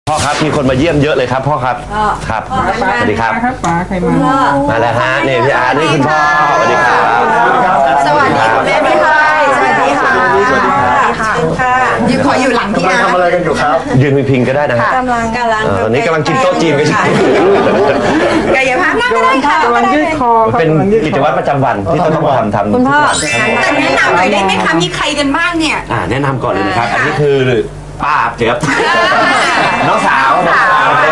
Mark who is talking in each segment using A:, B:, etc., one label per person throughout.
A: พ่อครับมีคนมาเยี่ยมเยอะเลยครับพ่อครับครับสวัสดีครับ
B: ป๋าใครมา
A: มาแล้วฮะนี่พี่อาร์นี่คุณพ่อสวัสดีครับ
C: สวัสดีคุณแม่พี่ไทยสวัสดีค่ะสวัสดีค่ะยืนขออยู่หลังพี่อาร์
D: ทำอะไรกันอยู่ครับ
A: ยืนพิงก็ได้นะฮะ
C: กำลัง
A: ตอนนี้กำลังกินโต๊ะจีนกันอยู่
C: กายภาพนั่งก็ได้ค่ะ
B: กำลังยืดคอ
A: เป็นกิจวัตรประจำวันที่ต้องทำ
C: คุณพ่อแต่แนะนำหน่อยได้ไหมคะมีใครกันบ้างเนี่ย
A: แนะนำก่อนเลยนะครับอันนี้คือป้าเจี๊ยบน้องสาวอัน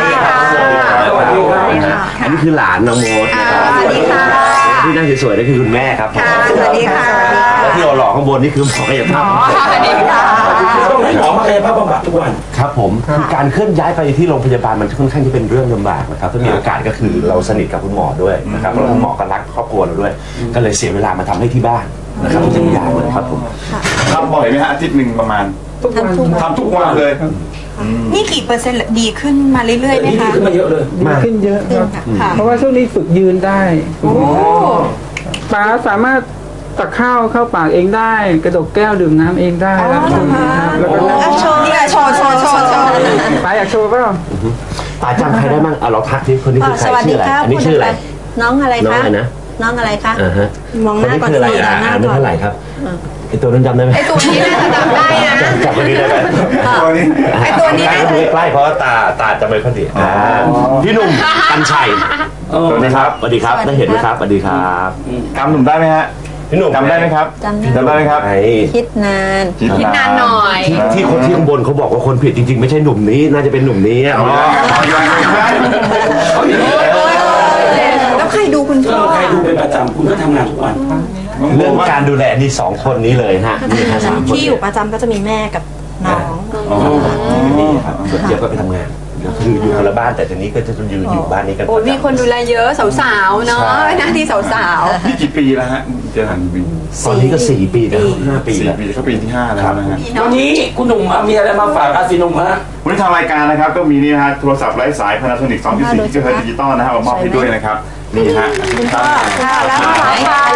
A: นี้คือหลานน้องโมด
C: สวัสดีค่ะ
A: ที่นั่งสวยๆนั่นคือคุณแม่ครับ
C: สวัสดีค่ะ
A: แล้วที่หล่อข้างบนนี่คือหมอกายภาพ
C: สวัสดีค่ะ
D: หมอกายภาพบำบัดทุกวัน
A: ครับผมการเคลื่อนย้ายไปที่โรงพยาบาลมันค่อนข้างที่เป็นเรื่องลำบากนะครับถ้ามีโอกาสก็คือเราสนิทกับคุณหมอด้วยนะครับแล้วคุณหมอก็รักครอบครัวเราด้วยก็เลยเสียเวลามาทำให้ที่บ้านนะครับทุกอย่างเลยครับผม
D: ทำบ่อยไหมฮะอาทิตย์หนึ่งประมาณทำทุกวันเลย
C: นี่กี่เปอร์เซ็นต์ดีขึ้นมาเรื่อยๆไหมคะ
D: ขึ้นมาเยอะเลย
B: ดีขึ้นเยอะครับเพราะว่าช่วงนี้ฝึกยืนได้ป๋าสามารถตักข้าวเข้าปากเองได้กระดกแก้วดื่มน้ำเองได้แล้วก็
C: โชว์นี่โชว์
B: ป๋าอยากโชว์เปล่า
A: ป๋าจำใครได้บ้างเราทักที่คนนี้คือใครชื่ออะไรอันนี้ชื่ออะไร
C: น้องอะไรคะ
A: นะ
C: น้องอะไรคะมองห
A: คน
C: น้า
A: นี้
C: ก่อน
A: คืออะไรอายุเท่าไหร่ครับไอตัวนั้นจำได้ไหม
C: ไอตัวนี้น่าจะจำได้นะ
A: จำคนนี้ได้ไหม
C: ไอตัวนี้น่าจะ
A: ใกล้เพราะตาจะไม่ค่อยดีพี่หนุ่มกัญชัยสวัสดีครับสวัสดีครับได้เห็นไหมครับสวัสดีครับ
D: จำหนุ่มได้ไหมฮะพี่หนุ่มจำได้ไหมครับจำได้ไหมครับ
C: คิดนานหน่อย
A: ที่คนที่ข้างบนเขาบอกว่าคนผิดจริงๆไม่ใช่หนุ่มนี้น่าจะเป็นหนุ่มนี้
C: แล้วใครดูคุณพ่อ
D: ใครดูเป็นประจำคุณก็ทำงานทุกวัน
A: เรื่องการดูแลนี่2คนนี้เลยฮะนี่ครับ3คน
C: ที่อยู่ประจำก็จะมีแม่กับน้อง
A: นี่ครับส่วนเจี๊ยบก็ไปทำงานคืออยู่คนละบ้านแต่ทีนี้ก็จะอยู่บ้านนี้กัน
C: มีคนดูแลเยอะสาวๆเนาะหน้าที่สาว
D: ๆนี่กี่ปีแล้วฮะเจอหันปี
A: ตอนนี้ก็4 ปีแล้ว5 ปีแล้ว
D: ก็ปีที่5แล้วนะฮะวันนี้คุณหนุ่มมีอะไรมาฝากอาซีนุ่มฮะวันนี้ทางรายการนะครับก็มีนี่นะฮะโทรศัพท์ไร้สาย Panasonic 2.4 กิกะเฮิรตซ์ดิจิตอลนะฮะมามอบให้ด้วยนะครับนี่ฮะ
C: แล้วสายค่ะ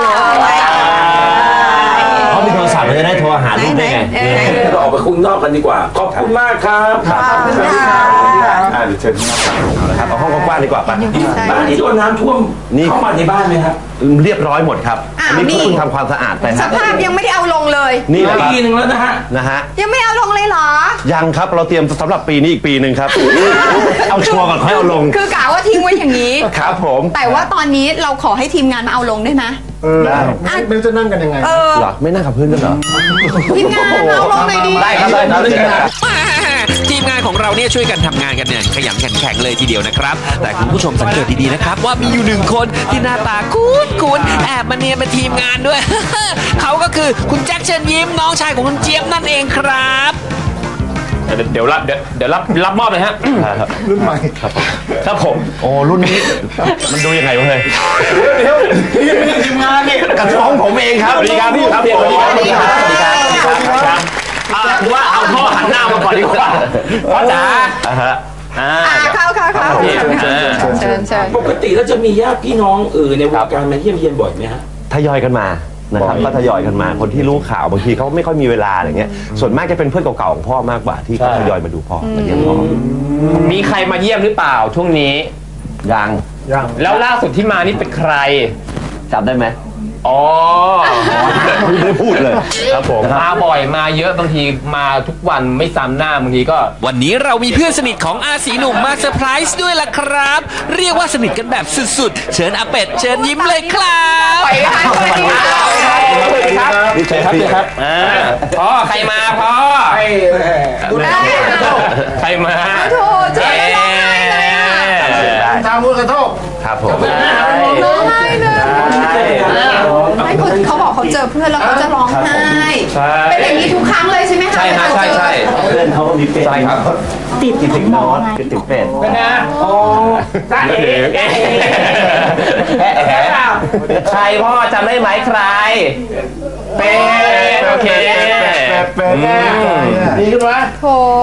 A: เขามีโทรศัพท์จะได้โทรหาลูกได้ไง
D: เราออกไปคุยนอกกันดีกว่าขอบคุณมากครับ
C: ขอบคุณค่ะ
D: เดี๋ยวเชิญที่นั่ง
A: นะครับเอาห้องกว้างดีกว่าป่ะ
D: บ้านนี้โดนน้ำท่วมเข้ามาในบ้านไหมครับ
A: เรียบร้อยหมดครับอันนี้เพิ่งทำความสะอาดไป
C: สภาพยังไม่ได้เอาลงเลย
A: นี่แหละ
D: ปีนึงแล้ว
A: นะฮะ
C: ยังไม่เอาลงเลยเหรอ
A: ยังครับเราเตรียมสำหรับปีนี้อีกปีนึงครับเอาชัวร์ก่อนค่อยเอาลง
C: คือกะว่าทิ้งไว้อย่างนี้
A: ครับผม
C: แต่ว่าตอนนี้เราขอให้ทีมงานมาเอาลงได้ไหม
A: ได้
D: ไม่จะนั่งกันยังไง
A: เหรอไม่นั่งกับเพื่อนกันเหรอ
C: ทีมงานเอาลงเลยดี
A: ได้ครับ
E: ทีมงานของเราเนี่ยช่วยกันทำงานกันเนี่ยขยันแข็งเลยทีเดียวนะครับแต่คุณผู้ชมสังเกตดีๆนะครับว่ามีอยู่1 คนที่หน้าตาคุ้นแอบมาเนียนเป็นทีมงานด้วย เขาก็คือคุณแจ็คเชิญยิ้มน้องชายของคุณเจี๊ยบนั่นเองครับ
F: เดี๋ยวรับมอบเลยฮะ
D: รุ่นใหม่
A: ครับผมโอ้รุ่นนี้มันดูยังไงวะเฮ้ย
D: เดี๋ยวทีมงานนี่
A: กระท้องผมเองครับ
F: สวัสดีครับพี่ครับสวัสดีครับว่าเอาพ่อหันหน้ามาก่อนดีกว่าพ่อจ๋า
C: เข้าเชิญ
D: ปกติแล้วจะมีญาติพี่น้องในวงการมาเยี่ยมเยียนบ่อยไหมฮะ
A: ทยอยกันมานะครับก็ทยอยกันมาคนที่รู้ข่าวบางทีเขาไม่ค่อยมีเวลาอะไรเงี้ยส่วนมากจะเป็นเพื่อนเก่าๆของพ่อมากกว่าที่ทยอยมาดูพ่อมาเยี่ยมพ่อ
F: มีใครมาเยี่ยมหรือเปล่าช่วงนี้
A: ยัง
F: แล้วล่าสุดที่มานี่เป็นใคร
A: จำได้ไหม
F: อ๋อ
A: ไม่ได้พูดเลย
F: ครับผมมาบ่อยมาเยอะบางทีมาทุกวันไม่ซ้ำหน้าบางทีก็
E: วันนี้เรามีเพื่อนสนิทของอาสีหนุ่มมาเซอร์ไพรส์ด้วยล่ะครับเรียกว่าสนิทกันแบบสุดๆเชิญอาเป็ดเชิญยิ้มเลยครับ
F: ไปครับสวัสดีครับ
A: เชิญครับ
F: พ่อใครมาพ่อใครมา
C: โธ่เจ๊
D: ทางมือกระทบ
A: ครับผม
C: ร้องไห้เลยไม่เขาบอกเขาเจอเพื่อนแล้วเขาจะร้องไห้เป็นอย่างนี้ทุกครั้งเลยใช่ไหมคะ
F: ใช่
A: เพื่อนเขามีเป็ดใช่ครับติดนอนติดเป็ด
F: เป็นไงโอ้จ้าเอ๋ใครพ่อจำได้ไหมใครเป็ดโอเค
D: เป็ดดีขึ้นไหม
C: โถ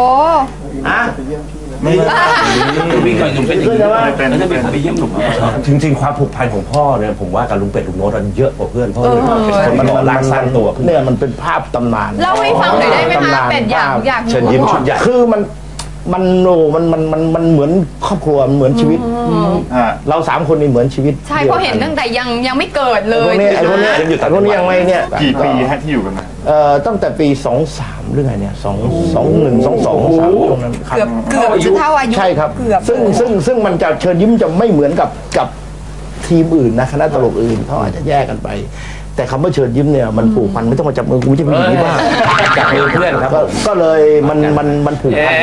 D: วิ่งก่อนหนุ่มเป็นไปเยี่ยมหนุ่ม
A: จริงๆความผูกพันของพ่อเนี่ยผมว่ากับลุงเป็ดลุงโน้ตมันเยอะกว่าเพื่อนพ่อเลยคนมันหล่อล้างสร้างตัว
D: เนี่ยมันเป็นภาพตำนาน
C: เล่าให้ฟังหน่อยได้ไหมคะเป็ดอยาก
A: เชิญยิ้มชุดใหญ่
D: คือมัน
G: มันเหมือนครอบครัวเหมือนชีวิตเรา3 คนนี่เหมือนชีวิต
C: ใช่เพราะเห็นตั้งแต่ยังไม่เกิดเลย
G: ไอ้พวกนี้ยังไม่เนี่ย
D: กี่ปีฮะที่อยู่กันมา
G: ตั้งแต่ปี23หรือไงเนี่ย21 22 23ตรงนั้น
C: เกือบจะเท่าอายุ
G: ใช่ครับซึ่งมันจะเชิญยิ้มจะไม่เหมือนกับทีมอื่นนะคณะตลกอื่นเขาอาจจะแยกกันไปแต่คำว่าเชิญยิ้มเนี่ยมันผูกพันไม่ต้องมาจับมือกูจะเป็นอย่างนี้บ้าง
A: จับมือเพื่อนครับ
G: ก็เลยมันผูกพัน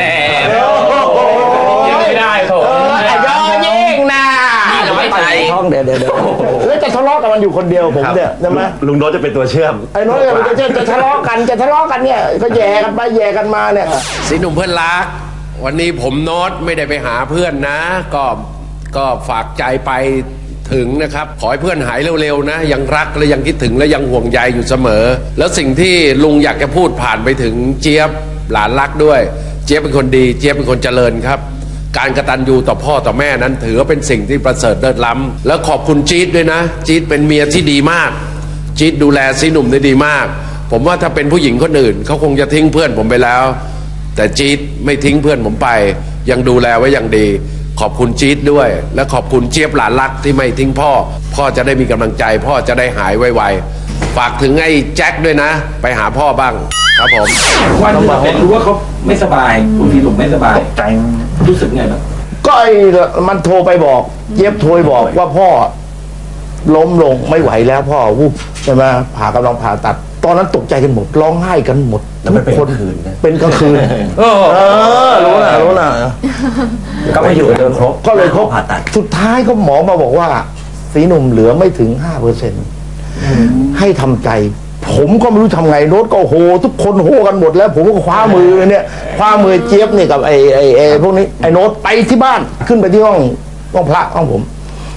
F: ไม่ได้โถ
G: ยอยิ่งนะ
F: ไม่ใช่
G: ท้องเดี๋ยวแล้วจะทะเลาะกันมันอยู่คนเดียวผมเนี่ยใช่ไหม
A: ลุงโน้ตจะเป็นตัวเชื่อม
G: ไอ้โน้ตจะทะเลาะกันเนี่ยก็แย่กันไปแย่กันมาเนี่ย
H: สีหนุ่มเพื่อนรักวันนี้ผมโน้ตไม่ได้ไปหาเพื่อนนะก็ฝากใจไปถึงนะครับขอให้เพื่อนหายเร็วๆนะยังรักและยังคิดถึงและยังห่วงใยอยู่เสมอแล้วสิ่งที่ลุงอยากจะพูดผ่านไปถึงเจี๊ยบหลานรักด้วยเจี๊ยบเป็นคนดีเจี๊ยบเป็นคนเจริญครับการกตัญญูต่อพ่อต่อแม่นั้นถือว่าเป็นสิ่งที่ประเสริฐเลิศล้ำแล้วขอบคุณจี๊ดด้วยนะจี๊ดเป็นเมียที่ดีมากจี๊ดดูแลสีหนุ่มได้ดีมากผมว่าถ้าเป็นผู้หญิงคนอื่นเขาคงจะทิ้งเพื่อนผมไปแล้วแต่จี๊ดไม่ทิ้งเพื่อนผมไปยังดูแลไว้อย่างดีขอบคุณจี๊ดด้วยและขอบคุณเจี๊ยบหลานรักที่ไม่ทิ้งพ่อจะได้มีกำลังใจพ่อจะได้หายไวๆฝากถึงไอ้แจ็คด้วยนะไปหาพ่อบ้างครับผม
F: วันที่เป็นรู้ว่าเขาไม่สบายคุณพี่หนุ่มไม่สบายใจรู้สึกไงบ้าง
G: ก็มันโทรไปบอกเจี๊ยบโทรบอกว่าพ่อล้มลงไม่ไหวแล้วพ่อวูบใช่ไหมกำลังผ่าตัดตอนนั้นตกใจกันหมดร้องไห้กันหมดทุกคนเป็นกลางคืนรู้นะ
A: ก็ไม่อยู่เดินครบ
G: ก็เลยครบผ่าตัดสุดท้ายก็หมอมาบอกว่าสีหนุ่มเหลือไม่ถึง 5% ให้ทำใจผมก็ไม่รู้ทำไงโน้ตก็โหทุกคนโหกันหมดแล้วผมก็คว้ามือเนี่ยคว้ามือเจี๊ยบเนี่ยกับไอ้พวกนี้ไอ้โน้ตไปที่บ้านขึ้นไปที่ห้องพระห้องผม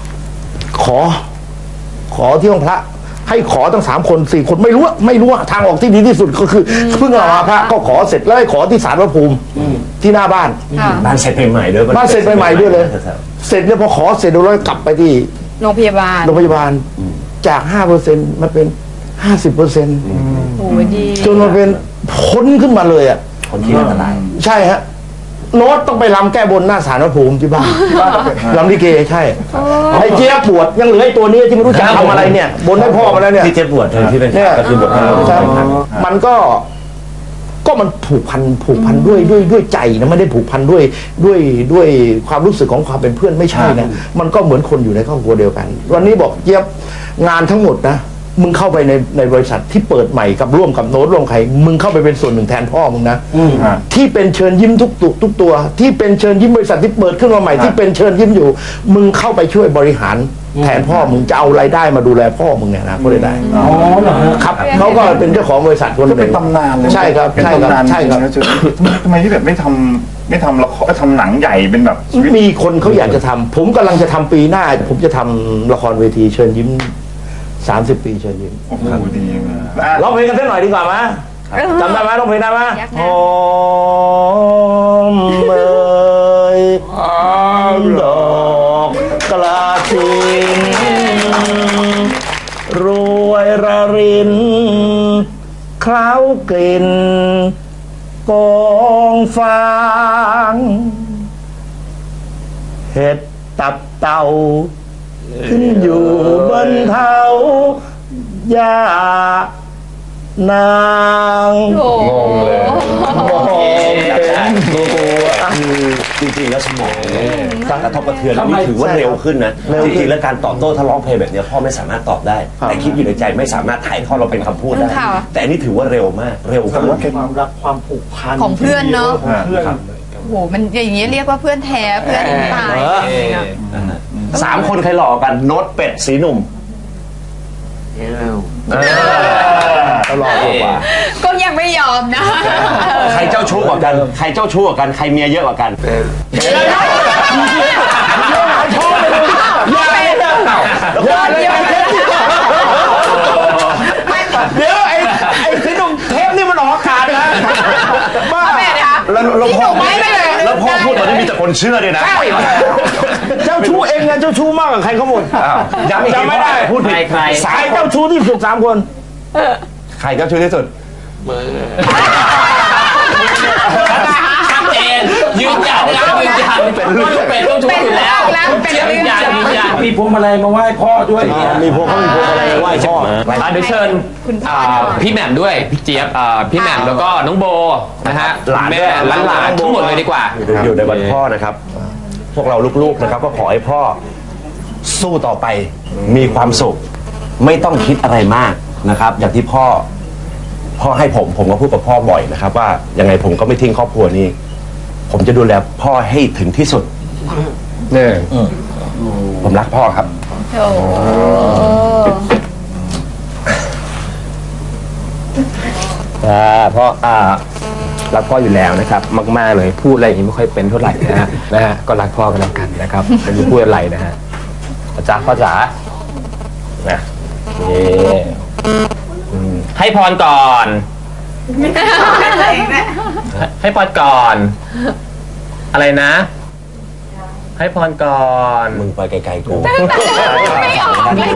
G: ขอที่ห้องพระให้ขอตั้ง3 คน 4 คนไม่รู้ทางออกที่ดีที่สุดก็คือเพิ่งเอามาพระก็ขอเสร็จแล้วให้ขอที่ศาลพระภูมิที่หน้าบ้าน
A: เสร็จใหม่ๆด้วย
G: บ้านเสร็จใหม่ๆด้วยเลยเสร็จเนี่ยพอขอเสร็จแล้วกลับไปที่
C: โรงพยาบาล
G: จาก 5% มาเป็น 50%
C: โอ้ดี
G: จนมาเป็นพ้นขึ้นมาเลยอ่ะ
A: คนที่อันตราย
G: ใช่ฮะโน้ตต้องไปรำแก้บนหน้าศาลพระภูมิที่บ้านรำลิเกใช่ไอ้เจี๊ยบปวดยังเหลือไอ้ตัวนี้ที่ไม่รู้จะทำอะไรเนี่ยบนให้พ่อมาแล้วเนี่ย
A: ที่เจี๊ยบปวดที่เป็น
G: ก็คือบวชมันก็มันผูกพันด้วยใจนะไม่ได้ผูกพันด้วยความรู้สึกของความเป็นเพื่อนไม่ใช่นะมันก็เหมือนคนอยู่ในครอบครัวเดียวกันวันนี้บอกเจี๊ยบงานทั้งหมดนะมึงเข้าไปในบริษัทที่เปิดใหม่กับร่วมกับโน้ตร่วมใครมึงเข้าไปเป็นส่วนหนึ่งแทนพ่อมึงนะที่เป็นเชิญยิ้มทุกตัวที่เป็นเชิญยิ้มบริษัทที่เปิดขึ้นมาใหม่ที่เป็นเชิญยิ้มอยู่มึงเข้าไปช่วยบริหารแทนพ่อมึงจะเอารายได้มาดูแลพ่อมึงเนี่ยนะก็ได้
F: อ๋อเหรอ
G: ครับเขาก็เป็นเจ้าของบริษัทคนหนึ่ง
D: เป็นตำนานเลย
G: ใช่ครับ
D: ทำไมที่แบบไม่ทำละครทำหนังใหญ่เป็นแบบ
G: มีคนเขาอยากจะทำผมกำลังจะทำปีหน้าผมจะทำละครเวทีเชิญยิ้ม30 ปีเชิญยิ้ม
D: โอ้โหดีมาก
G: ร้องเพลงกันสักหน่อยดีกว่าไหมจำได้ไหมร้องเพลงได้ไหมหอมเอ่ยดอกกระถิ่นรวยระรินเคล้ากลิ่นกองฟางเห็ดตับเต่าขึ้นอยู่บนเท้ายานาง
A: งงเลยจริงๆแล้วสมองกระทบกระเทือนนี่ถือว่าเร็วขึ้นนะจริงๆแล้วการตอบโต้ถ้าร้องเพลงแบบนี้พ่อไม่สามารถตอบได้แต่คิดอยู่ในใจไม่สามารถถ่ายทอดเราเป็นคำพูดได้แต่อันนี้ถือว่าเร็วมากเร็วกว่า
D: ความรักความผูกพัน
C: ของเพื่อนเนาะโอ้โหมันอย่างนี้เรียกว่าเพื่อนแท้เพื่อนตาย
A: 3 คนใครหล่อกันโน้ตเป็ดสีหนุ่ม
G: หล่อกว่า
C: ก็ยังไม่ยอมนะ
A: ใครเจ้าชู้กว่ากันใครเจ้าชู้กว่ากันใครเมียเยอะกว่ากัน
G: เดี๋ยวไอ้สีหนุ่มเทปนี่มันออกอากาศนะ
C: บ้า
A: แล้วพ่อพูดตอนนี้มีแต่คนเชื่อด้วยนะ
G: เจ้าชู้เองไงเจ้าชู้มากกว่าใครเขาหมด
A: จำไม่ได้พูดผิด
G: ใครสายเจ้าชู้ที่สุด3 คน
A: ใครเจ้าชู้ที่สุด
F: ชัดเจนยืนยันนะยืนยันเป็นต้องชุบอยู่แล้วเจี๊ยบยืนยัน
D: มีพวงมาลัยมาไหว้พ่อด้วย
G: มีพวงมาลัยไหว้พ่อ
F: เดี๋ยวเชิญพี่แหม่มด้วยพี่เจี๊ยบพี่แหม่มแล้วก็น้องโบนะฮะหลานทั้งหมดเลยดีกว่า
A: อยู่ในวันพ่อนะครับพวกเราลูกๆนะครับก็ขอให้พ่อสู้ต่อไปมีความสุขไม่ต้องคิดอะไรมากนะครับอย่างที่พ่อให้ผมก็พูดกับพ่อบ่อยนะครับว่ายังไงผมก็ไม่ทิ้งครอบครัวนี้ผมจะดูแลพ่อให้ถึงที่สุดเนี่ยผมรักพ่อครับ
F: พ่อรักพ่ออยู่แล้วนะครับมากๆเลยพูดอะไรอย่างนี้ไม่ค่อยเป็นเท่าไหร่นะฮะก็รักพ่อกันแล้วกันนะครับไม่รู้พูดอะไรนะฮะพ่อจ๋านะนี่ให้พรก่อนให้พรก่อนอะไรนะให้พรก่อน
A: มึงไปไกลๆกู
C: ไม่ออกเลย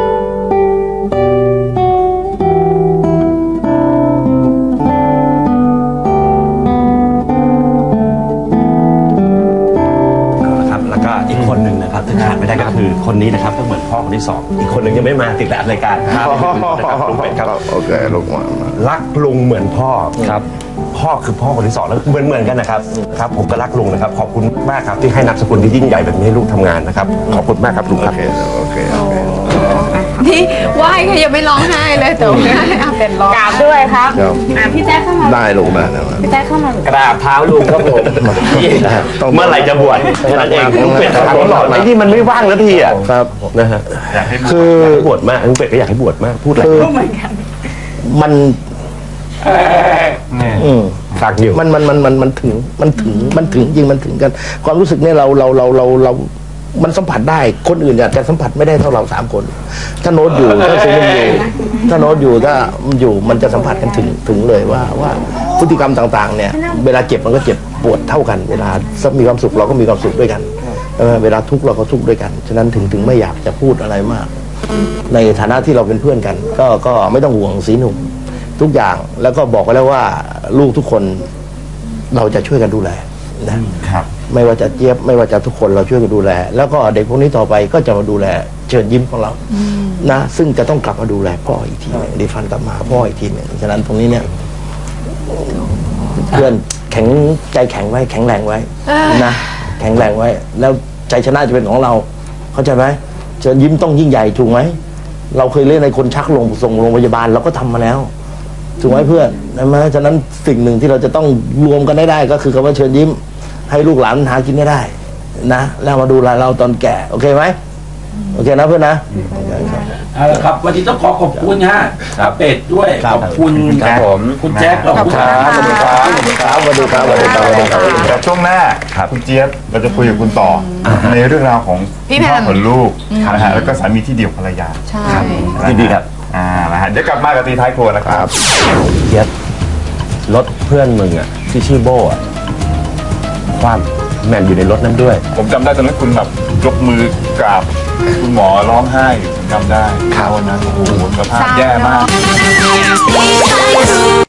A: แล้วก็อีกคนหนึ่งนะครับที่ขาดไม่ได้ก็คือคนนี้นะครับก็เหมือนพ่อคนที่สองอีกคนหนึ่งยังไม่มาติดรายการครับลุงเป็ดครับ
G: โอเคลุงมา
A: รักลุงเหมือนพ่อครับพ่อคือพ่อคนที่สองแล้วเหมือนกันนะครับครับผมก็รักลุงนะครับขอบคุณมากครับที่ให้นามสกุลที่ยิ่งใหญ่แบบนี้ให้ลูกทำงานนะครับขอบคุณมากครับลุงครับ
G: โอเค
C: นี่ไหว้ก็ยังไม่ร้องไห้เลยแต่ว่าเป็นร้อง
I: กราบด้วยครับพี่แจ๊คเข้ามา
G: ได้ลุงได้
I: พี่แจ๊คเข้ามาก
F: ราบเท้าลุงครับผม
A: เมื่อไหร่จะบวชแค่นั้นเองลุงเป็ดทำตลอดไอ้ที่มันไม่ว่างแล้วทีอ่ะ
G: ครับ
A: นะฮะคือบวชมากลุงเป็ดก็อยากให้บวชมากพูดอะไร
G: มัน
A: ฝากอยู่
G: มันถึงจริงมันถึงกันความรู้สึกเนี่ยเรามันสัมผัสได้คนอื่นอาจจะสัมผัสไม่ได้เท่าเรา3 คนถ้าโน้ตอยู่ถ้าซีนุ่มอยู่ถ้าโน้ตอยู่ถ้าอยู่มันจะสัมผัสกันถึงเลยว่าพฤติกรรมต่างๆเนี่ยเวลาเจ็บมันก็เจ็บปวดเท่ากันเวลามีความสุขเราก็มีความสุขด้วยกันเวลาทุกข์เราก็ทุกข์ด้วยกันฉะนั้นถึงไม่อยากจะพูดอะไรมากในฐานะที่เราเป็นเพื่อนกันก็ไม่ต้องห่วงสีหนุ่มทุกอย่างแล้วก็บอกไว้แล้วว่าลูกทุกคนเราจะช่วยกันดูแลนะครับไม่ว่าจะเจี๊ยบไม่ว่าจะทุกคนเราช่วยกันดูแลแล้วก็เด็กพวกนี้ต่อไปก็จะมาดูแลเชิญยิ้มของเรานะซึ่งจะต้องกลับมาดูแลพ่ออีกทีนึงดิฟันกลับมาพ่ออีกทีนึงฉะนั้นตรงนี้เนี่ยเพื่อนใจแข็งไว้แข็งแรงไว้นะแข็งแรงไว้แล้วใจชนะจะเป็นของเราเข้าใจไหมเชิญยิ้มต้องยิ่งใหญ่ถูกไหมเราเคยเล่นในคนชักส่งโรงพยาบาลเราก็ทำมาแล้วถูกไหมเพื่อนนะฉะนั้นสิ่งหนึ่งที่เราจะต้องรวมกันได้ก็คือคำว่าเชิญยิ้มให้ลูกหลานหากินได้นะแล้วมาดูแลเราตอนแก่โอเคไหมโอเคนะเพื่อนนะ
D: เอาละครับวันนี้ต้องขอบคุณฮะเป็ดด้วยขอบคุณครับผมคุณแจ็คขอบคุณครับสวัสดีครับ
G: สวัสดีครับ
D: แต่ช่วงหน้าคุณเจี๊ยบเราจะคุยกับคุณต่อในเรื่องราวของพ่อของลูกนะฮะแล้วก็สามีที่เดียวภรรยา
C: ใช่
A: ดีครับ
D: นะฮะเดี๋ยวกลับมากับตีท้ายครัวนะครับ
A: เจี๊ยบรถเพื่อนมึงอ่ะที่ชื่อโบ้อ่ะความแม่นอยู่ในรถนั้นด้วย
D: ผมจำได้ตอนนั้นคุณแบบยกมือกราบคุณหมอร้องไห้อยู่ผมจำได้วันนั้นโอ้โหสภาพแย่มาก